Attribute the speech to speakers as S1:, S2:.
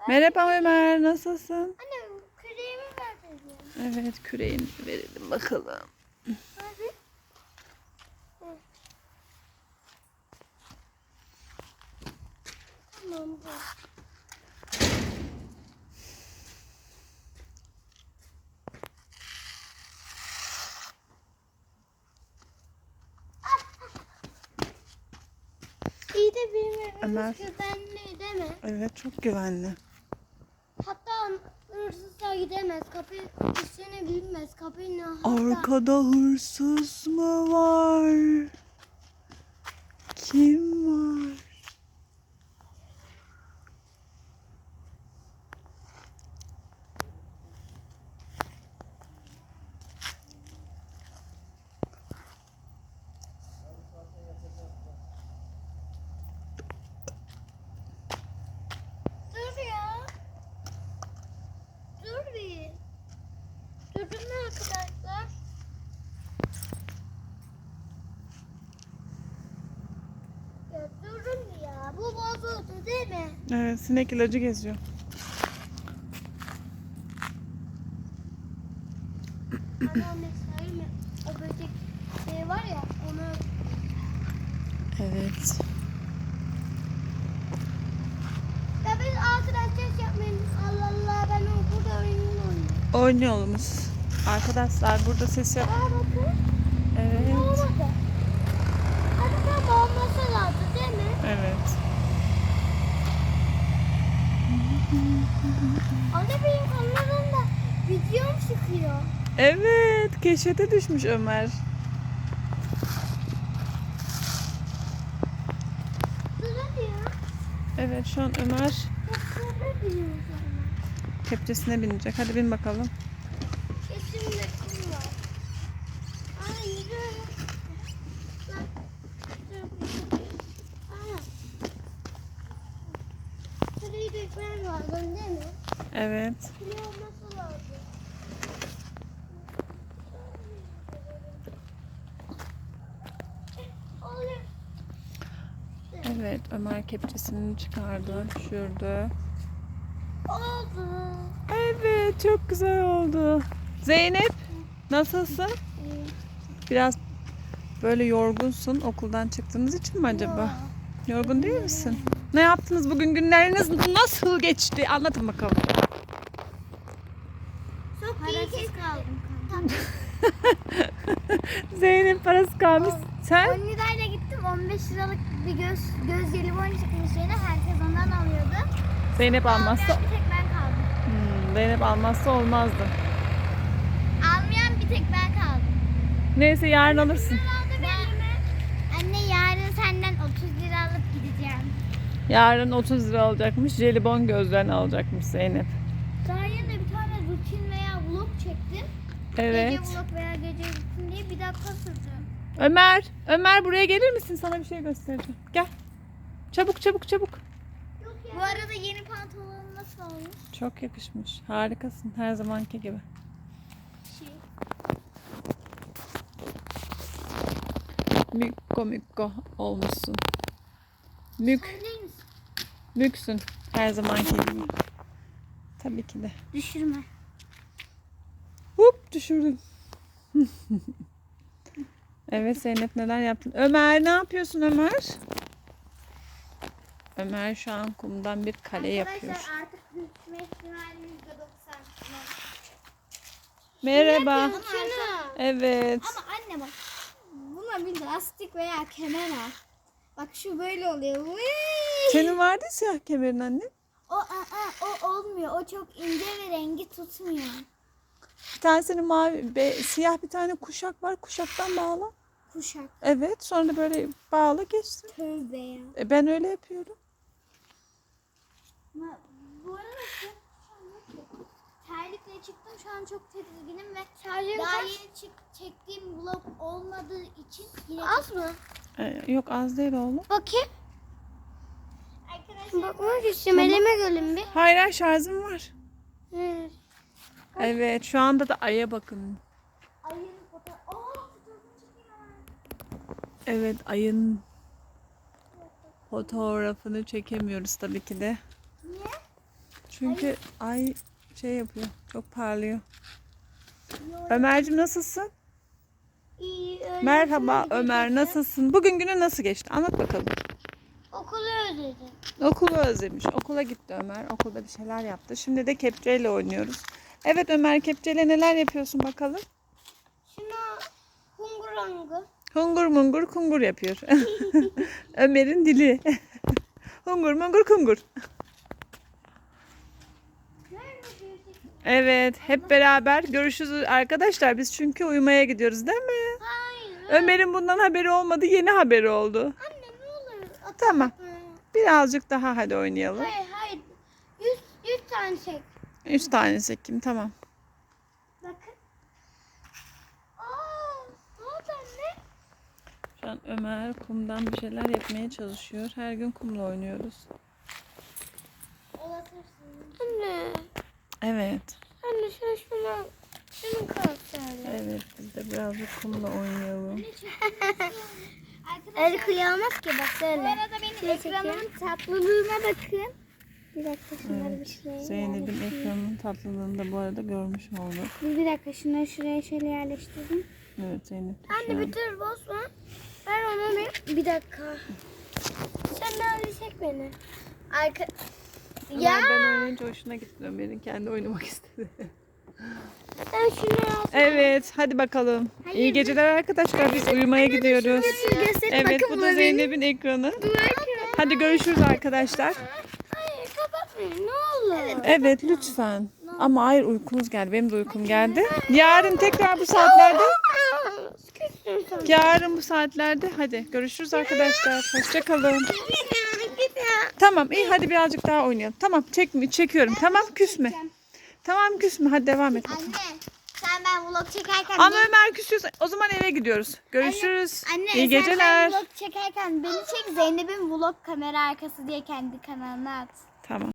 S1: Merhaba Ömer, nasılsın?
S2: Anne küreğimi ver dedim.
S1: Evet, küreğini verelim bakalım.
S2: Hadi. Tamam bu. İyi de benim
S1: Ömer.
S2: evimiz güvenli değil mi?
S1: Evet, çok güvenli.
S2: Hatta hırsızlar gidemez. Kapıyı üstüne binmez. Kapıyı hatta...
S1: Arkada hırsız mı var? Kim var?
S2: Dur ya. Dur bir. Durdun mu arkadaşlar? Ya durun ya. Bu bozuldu değil mi?
S1: Evet, sinek ilacı geziyor.
S2: Anneanne söyleme. O böcek şey var ya onu...
S1: Evet.
S2: Ya biz arkadaşlar yapmayın. Allah Allah ben burada oynuyorum.
S1: Oynuyoruz. Arkadaşlar burada ses yap.
S2: Aa bakın.
S1: Evet.
S2: Olmadı. Hadi tam olması lazım değil mi?
S1: Evet.
S2: Anne benim kameramda videom çıkıyor.
S1: Evet, keşfete düşmüş Ömer.
S2: Dur hadi ya.
S1: Evet, şu an Ömer
S2: Bak şurada biliyorum sana.
S1: kepçesine binecek. Hadi bin bakalım.
S2: Kesin resim var. Ay yürü. Bak. Dur. Aa. Şurayı dökmem lazım değil mi?
S1: Evet.
S2: Şuraya olması lazım. Oluyor.
S1: Evet, Ömer kepçesini çıkardı, düşürdü.
S2: Oldu.
S1: Evet, çok güzel oldu. Zeynep, nasılsın? Biraz böyle yorgunsun okuldan çıktığınız için mi acaba? Yorgun değil misin? Ne yaptınız bugün? Günleriniz nasıl geçti? Anlatın bakalım.
S2: Çok parasız kaldım. Tamam.
S1: Zeynep parası kalmış. Sen?
S2: 10 lirayla gittim. 15 liralık bir göz jelibon çıkmış yerine herkes ondan alıyordu.
S1: Zeynep almazsa
S2: Almayan bir tek ben kaldım.
S1: Zeynep almazsa olmazdı.
S2: Almayan bir tek ben kaldım.
S1: Neyse yarın alırsın.
S2: Anne yarın senden 30 lira alıp gideceğim.
S1: Yarın 30 lira alacakmış. Jelibon gözlerini alacakmış Zeynep.
S2: Daha yeni de bir tane rutin veya vlog çektim.
S1: Evet.
S2: Gece vlog veya gece rutin diye bir dakika sürdü.
S1: Ömer buraya gelir misin? Sana bir şey göstereceğim. Gel. Çabuk çabuk çabuk.
S2: Bu arada yeni pantolonum nasıl olmuş?
S1: Çok yakışmış. Harikasın her zamanki gibi.
S2: Şey.
S1: Mükko olmuşsun. Mük,
S2: Söyler misin?
S1: müksün her zamanki gibi. Tabii ki de.
S2: Düşürme.
S1: Hop düşürdün. Evet Zeynep neler yaptın? Ömer ne yapıyorsun Ömer? Ömer şu an kumdan bir kale yapıyor.
S2: Arkadaşlar artık düşme ihtimalimiz de 90.
S1: Merhaba.
S2: Şunu.
S1: Evet.
S2: Ama anne bak. Buna bir lastik veya kemer al. Bak şu böyle oluyor. Vıy!
S1: Senin vardı ya siyah kemerin anne.
S2: O olmuyor. O çok ince ve rengi tutmuyor.
S1: Bir tanesinin mavi, siyah bir tane kuşak var. Kuşaktan bağla.
S2: Kuşak.
S1: Evet sonra da böyle bağla geçsin.
S2: Tövbe ya.
S1: Ben öyle yapıyorum.
S2: Bu arada terlikle çıktım. Şu an çok tedirginim ve daha yeni çektiğim vlog olmadığı için yine az mı?
S1: Yok az değil oğlum.
S2: Bakayım. Arkadaşlar bakmak istiyorum. Elime gölüm bir.
S1: Hayır şarjım var.
S2: Evet.
S1: Evet şu anda da aya bakın.
S2: Ayın fotoğrafını çekiyorum.
S1: Evet ayın fotoğrafını çekemiyoruz tabii ki de.
S2: Niye?
S1: Çünkü ay şey yapıyor. Çok parlıyor. Ömerciğim nasılsın?
S2: İyi, öyle
S1: Merhaba
S2: nasıl
S1: Ömer,
S2: geçti?
S1: nasılsın? Bugün günün nasıl geçti? Anlat bakalım.
S2: Okulu özledim.
S1: Okulu özlemiş. Okula gitti Ömer. Okulda bir şeyler yaptı. Şimdi de kepçeyle oynuyoruz. Evet Ömer, kepçeyle neler yapıyorsun bakalım?
S2: Şuna hungurangı.
S1: Hungur mungur kungur yapıyor. Ömer'in dili. Hungur mungur kungur. Evet, hep beraber görüşürüz arkadaşlar. Biz çünkü uyumaya gidiyoruz değil mi?
S2: Hayır.
S1: Ömer'in bundan haberi olmadı. Yeni haberi oldu.
S2: Anne ne olur.
S1: Tamam. Birazcık daha hadi oynayalım.
S2: Hayır. 100 tane çek.
S1: 3 tanesi kim? Tamam.
S2: Bakın. Ne oldu anne?
S1: Şu an Ömer kumdan bir şeyler yapmaya çalışıyor. Her gün kumla oynuyoruz.
S2: Anne.
S1: Evet.
S2: Anne şunu kalsana.
S1: Evet, biz de birazcık kumla oynayalım.
S2: El kıyamaz ki bak böyle. Bu arada benim ekranımın tatlılığına bakın. Bir dakika şunları bir şuraya
S1: Zeynep'in ekranının tatlılığını da bu arada görmüş olduk.
S2: Bir dakika şunları şuraya şöyle yerleştirdim.
S1: Evet Zeynep. de şu
S2: Anne
S1: an-
S2: bir tür bozma. Ver onu bir dakika. Sen de çek beni.
S1: Ömer ben oynayınca hoşuna gitti Ömer'in. Kendi oynamak istedi.
S2: Sen şunu al.
S1: Evet, hadi bakalım. İyi geceler arkadaşlar. Biz uyumaya gidiyoruz. Evet, bu da Zeynep'in ekranı. Hadi görüşürüz arkadaşlar.
S2: Hayır kapatmayın ne olur.
S1: Evet, lütfen. Ama hayır, uykumuz geldi. Benim de uykum geldi. Yarın tekrar bu saatlerde. Yarın bu saatlerde. Hadi görüşürüz arkadaşlar. Hoşça kalın. Tamam, iyi hadi birazcık daha oynayalım. Tamam, çekiyorum. Tamam, küsme. Tamam, küsme. Hadi devam et.
S2: Anne sen ben vlog çekerken
S1: Ama Ömer küsüyorsa o zaman eve gidiyoruz. Görüşürüz.
S2: Anne
S1: İyi
S2: sen
S1: geceler.
S2: ben vlog çekerken beni çek Zeynep'in vlog kamera arkası diye kendi kanalına at.
S1: Tamam.